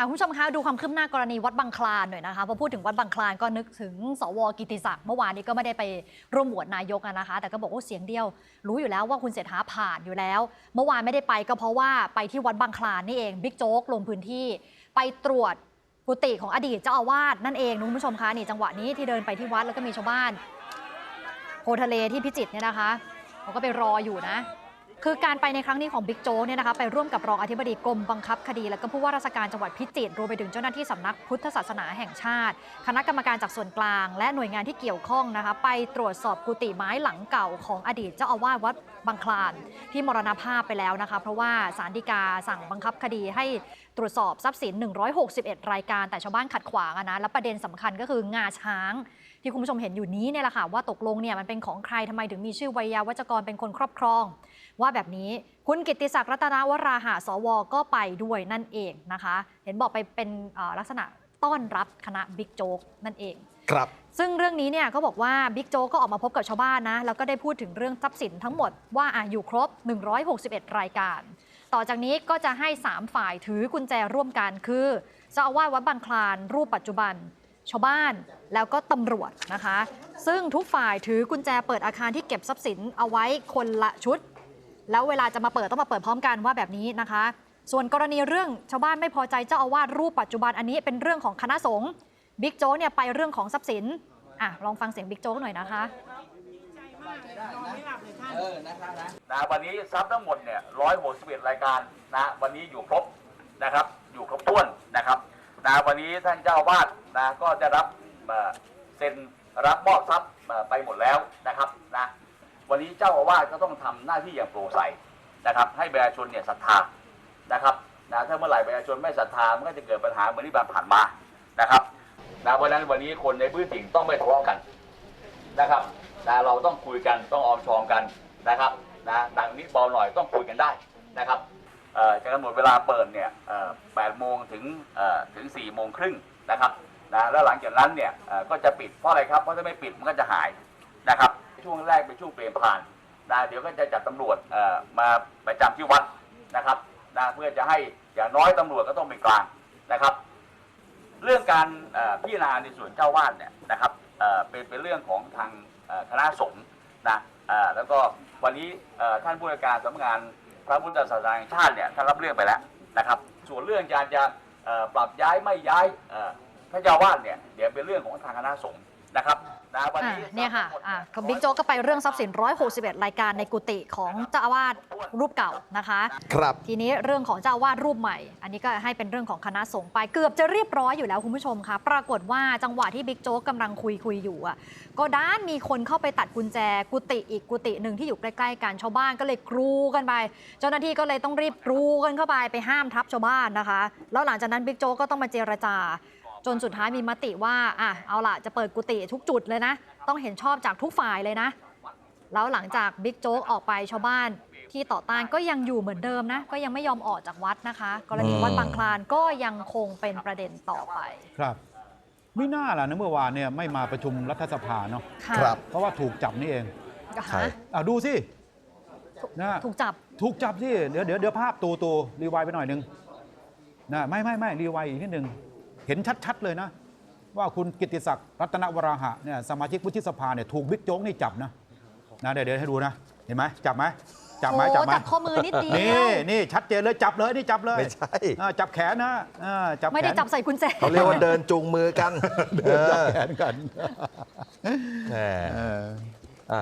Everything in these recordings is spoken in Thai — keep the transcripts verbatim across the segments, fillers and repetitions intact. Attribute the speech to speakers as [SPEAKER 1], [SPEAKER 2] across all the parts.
[SPEAKER 1] คุณผู้ชมคะดูความคืบหน้ากรณีวัดบางคลานหน่อยนะคะพอพูดถึงวัดบางคลานก็นึกถึงสวกิติศักดิ์เมื่อวานนี้ก็ไม่ได้ไปร่วมโหวตนายกนะคะแต่ก็บอกว่าเสียงเดียวรู้อยู่แล้วว่าคุณเศรษฐาผ่านอยู่แล้วเมื่อวานไม่ได้ไปก็เพราะว่าไปที่วัดบางคลานนี่เองบิ๊กโจ๊กลงพื้นที่ไปตรวจกุฏิของอดีตเจ้าอาวาสนั่นเองคุณผู้ชมคะนี่จังหวะนี้ที่เดินไปที่วัดแล้วก็มีชาวบ้านโพทะเลที่พิจิตรเนี่ยนะคะเขาก็ไปรออยู่นะคือการไปในครั้งนี้ของบิ๊กโจ๊กเนี่ยนะคะไปร่วมกับรองอธิบดีกรมบังคับคดีและก็ผู้ว่าราชการจังหวัดพิจิตรรวมไปถึงเจ้าหน้าที่สำนักพุทธศาสนาแห่งชาติคณะกรรมการจากส่วนกลางและหน่วยงานที่เกี่ยวข้องนะคะไปตรวจสอบกุฏิไม้หลังเก่าของอดีตเจ้าอาวาสวัดบางคลานที่มรณภาพไปแล้วนะคะเพราะว่าศาลฎีกาสั่งบังคับคดีให้ตรวจสอบทรัพย์สินหนึ่งร้อยหกสิบเอ็ดรายการแต่ชาวบ้านขัดขวางนะและประเด็นสำคัญก็คืองาช้างที่คุณผู้ชมเห็นอยู่นี้เนี่ยแหละค่ะว่าตกลงเนี่ยมันเป็นของใครทำไมถึงมีชื่อไวยาวัจกรเป็นคนครอบครองว่าแบบนี้คุณกิตติศักดิ์รัตนวราหะสวก็ไปด้วยนั่นเองนะคะเห็นบอกไปเป็นลักษณะต้อนรับคณะบิ๊กโจ๊กนั่นเอง
[SPEAKER 2] ครับ
[SPEAKER 1] ซึ่งเรื่องนี้เนี่ยก็บอกว่าบิ๊กโจ๊กก็ออกมาพบกับชาวบ้านนะแล้วก็ได้พูดถึงเรื่องทรัพย์สินทั้งหมดว่าอ่ะอยู่ครบหนึ่งร้อยหกสิบเอ็ดรายการต่อจากนี้ก็จะให้สามฝ่ายถือกุญแจร่วมกันคือเจ้าอาวาสวัดบางคลานรูปปัจจุบันชาวบ้านแล้วก็ตำรวจนะคะซึ่งทุกฝ่ายถือกุญแจเปิดอาคารที่เก็บทรัพย์สินเอาไว้คนละชุดแล้วเวลาจะมาเปิดต้องมาเปิดพร้อมกันว่าแบบนี้นะคะส่วนกรณีเรื่องชาวบ้านไม่พอใจเจ้าอาวาสรูปปัจจุบันอันนี้เป็นเรื่องของคณะสงฆ์บิ๊กโจ๊กเนี่ยไปเรื่องของทรัพย์สินอ่ะลองฟังเสียงบิ๊กโจ๊กหน่อยนะคะ
[SPEAKER 3] นะวันนี้ทรัพย์ทั้งหมดเนี่ยร้อยหกสิบเอ็ดรายการนะวันนี้อยู่ครบนะครับอยู่ครบถ้วนนะครับนะวันนี้ท่านเจ้าอาวาสนะก็จะรับเซ็นรับมอบทรัพย์ไปหมดแล้วนะครับนะวันนี้เจ้าอาวาสก็ต้องทำหน้าที่อย่างโปร่งใสนะครับให้ประชาชนเนี่ยศรัทธานะครับนะถ้าเมื่อไหร่ประชาชนไม่ศรัทธามันก็จะเกิดปัญหาเหมือนที่ผ่านมานะครับนะเพราะฉะนั้นวันนี้คนในพื้นที่ต้องไม่ทะเลาะกันนะครับนะเราต้องคุยกันต้องออมชอมกันนะครับนะดังนี้เบาหน่อยต้องคุยกันได้นะครับจะกำหนดเวลาเปิดเนี่ยแปดโมงถึงถึงสี่โมงครึ่งนะครับนะแล้วหลังจากนั้นเนี่ยก็จะปิดเพราะอะไรครับเพราะถ้าไม่ปิดมันก็จะหายนะครับช่วงแรกเป็นช่วงเปลี่ยนผ่านนะเดี๋ยวก็จะจัดตำรวจมาประจำที่วัดนะครับนะเพื่อจะให้อย่างน้อยตำรวจก็ต้องเป็นกลางนะครับเรื่องการพิจารณาในส่วนเจ้าวาดเนี่ยนะครับเป็นเป็นเรื่องของทางคณะสงฆ์นะแล้วก็วันนี้ท่านผู้ว่าการสำนักงานพระพุทธศาสนาแห่งชาติเนี่ยท่านรับเรื่องไปแล้วนะครับส่วนเรื่องการจะปรับย้ายไม่ย้ายพระเจ้าวาดเนี่ยเดี๋ยวเป็นเรื่องของทางคณะสงฆ์นะครับนะวันนี้
[SPEAKER 1] เนี่ยค่ะบิ๊กโจ๊กก็ไปเรื่องทรัพย์สินหนึ่งร้อยหกสิบเอ็ดรายการในกุฏิของเจ้าอาวาสรูปเก่านะคะ
[SPEAKER 2] ครับ
[SPEAKER 1] ทีนี้เรื่องของเจ้าอาวาสรูปใหม่อันนี้ก็ให้เป็นเรื่องของคณะสงฆ์ไปเกือบจะเรียบร้อยอยู่แล้วคุณผู้ชมคะปรากฏว่าจังหวะที่บิ๊กโจ๊กกำลังคุยคุยอยู่อ่ะก็ด้านมีคนเข้าไปตัดกุญแจกุฏิอีกกุฏิหนึ่งที่อยู่ใกล้ๆกันชาวบ้านก็เลยกรูกันไปเจ้าหน้าที่ก็เลยต้องรีบกรูกันเข้าไปไปห้ามทับชาวบ้านนะคะแล้วหลังจากนั้นบิ๊กโจ๊กก็ต้องมาเจรจาจนสุดท้ายมีมติว่าอ่ะเอาล่ะจะเปิดกุฏิทุกจุดเลยนะต้องเห็นชอบจากทุกฝ่ายเลยนะแล้วหลังจากบิ๊กโจ๊กออกไปชาวบ้านที่ต่อต้านก็ยังอยู่เหมือนเดิมนะก็ยังไม่ยอมออกจากวัดนะคะกรณีวัดบางคลานก็ยังคงเป็นประเด็นต่อไป
[SPEAKER 4] ครับไม่น่าล่ะนะเมื่อวานเนี่ยไม่มาประชุมรัฐสภาเนาะ
[SPEAKER 2] ครับ
[SPEAKER 4] เพราะว่าถูกจับนี่เอง
[SPEAKER 1] ใช่
[SPEAKER 4] อ่ะดูสินะ
[SPEAKER 1] ถูกจับ
[SPEAKER 4] ถูกจับสิเดี๋ยวเดี๋ยวเดี๋ยวภาพตูตูรีไวล์ไปหน่อยนึงนะไม่ไม่ไม่รีไวล์อีกนิดนึงเห็นชัดๆเลยนะว่าคุณกิตติศักดิ์รัตนวราหะเนี่ยสมาชิกวุฒิสภาเนี่ยถูกบิ๊กโจ๊กนี่จับนะนะเดี๋ยวเดี๋ยวให้ดูนะเห็นไหมจับไหมจับไหมจับไหม
[SPEAKER 1] จับข้อมือนิดเดียว
[SPEAKER 4] นี่นี่ชัดเจนเลยจับเลยนี่จับเลย
[SPEAKER 2] ไม่ใช่
[SPEAKER 4] จับแขนนะจับ
[SPEAKER 1] ไม่ได้จับใส่กุญแจ
[SPEAKER 2] เขาเรียกว่าเดินจูงมือกัน
[SPEAKER 4] เดินจับแขนกัน
[SPEAKER 2] แหม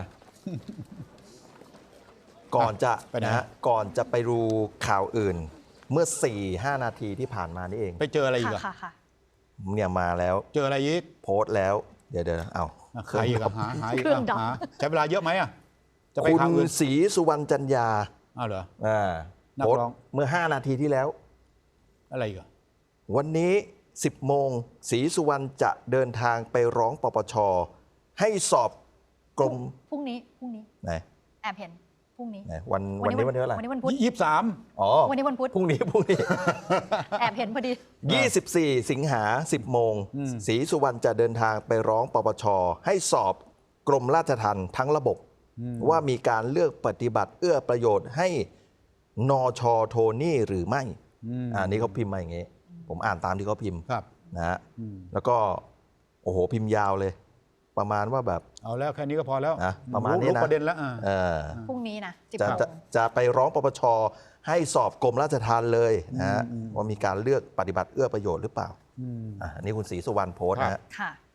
[SPEAKER 2] ก่อนจะนะก่อนจะไปดูข่าวอื่นเมื่อ สี่ห้า นาทีที่ผ่านมานี่เอง
[SPEAKER 4] ไปเจออะไรอีกอะ
[SPEAKER 2] เนี่ยมาแล้ว
[SPEAKER 4] เจออะไรอีก
[SPEAKER 2] โพสต์แล้วเดี๋ยวเดี๋ยวเอา
[SPEAKER 4] ใครอีกหาหาอีกหาใช้เวลาเยอะไหมอ่ะ
[SPEAKER 2] จะไปข่าวอื่นศรีสุวรรณจันยา
[SPEAKER 4] อ้าวเหรอ
[SPEAKER 2] อ่าโพสต์เมื่อห้านาทีที่แล้ว
[SPEAKER 4] อะไรอีก
[SPEAKER 2] วันนี้สิบโมงศรีสุวรรณจะเดินทางไปร้องปปชให้สอบกรม
[SPEAKER 1] พรุ่งนี้พรุ่งนี้
[SPEAKER 2] ไหน
[SPEAKER 1] แอบเห็นพรุ่งนี้
[SPEAKER 2] วันวันนี้วันนี้อะไร
[SPEAKER 1] วันนี้วันพุธ
[SPEAKER 4] ยี่สิบสาม
[SPEAKER 2] อ๋อ
[SPEAKER 1] วันนี้วันพุธ
[SPEAKER 2] พรุ่งนี้พรุ่งนี้
[SPEAKER 1] แอบเห็นพอดี
[SPEAKER 2] ยี่สิบสี่สิงหาสิบโมงศรีสุวรรณจะเดินทางไปร้องปปชให้สอบกรมราชทัณฑ์ทั้งระบบว่ามีการเลือกปฏิบัติเอื้อประโยชน์ให้นชโทนี่หรือไม่อันนี้เขาพิมพ์มาอย่างนี้ผมอ่านตามที่เขาพิมพ์
[SPEAKER 4] ครับ
[SPEAKER 2] นะฮะ
[SPEAKER 4] อืม
[SPEAKER 2] แล้วก็โอ้โหพิมพ์ยาวเลย ประมาณว่าแบบ
[SPEAKER 4] เอาแล้วแค่นี้ก็พอแล้ว
[SPEAKER 2] นะประมาณนี้นะ
[SPEAKER 4] ประเด็นแล้วอ่า
[SPEAKER 2] เออ
[SPEAKER 1] พรุ่งนี้นะสิบ
[SPEAKER 2] จะ
[SPEAKER 1] โมง
[SPEAKER 2] จะจะไปร้องปปชให้สอบกรมราชทัณฑ์เลยนะฮะว่ามีการเลือกปฏิบัติเอื้อประโยชน์หรือเปล่า
[SPEAKER 4] อืม
[SPEAKER 2] อ่ะอันนี้คุณศรีสุวรรณโพสต์นะฮะ
[SPEAKER 1] ค่ะ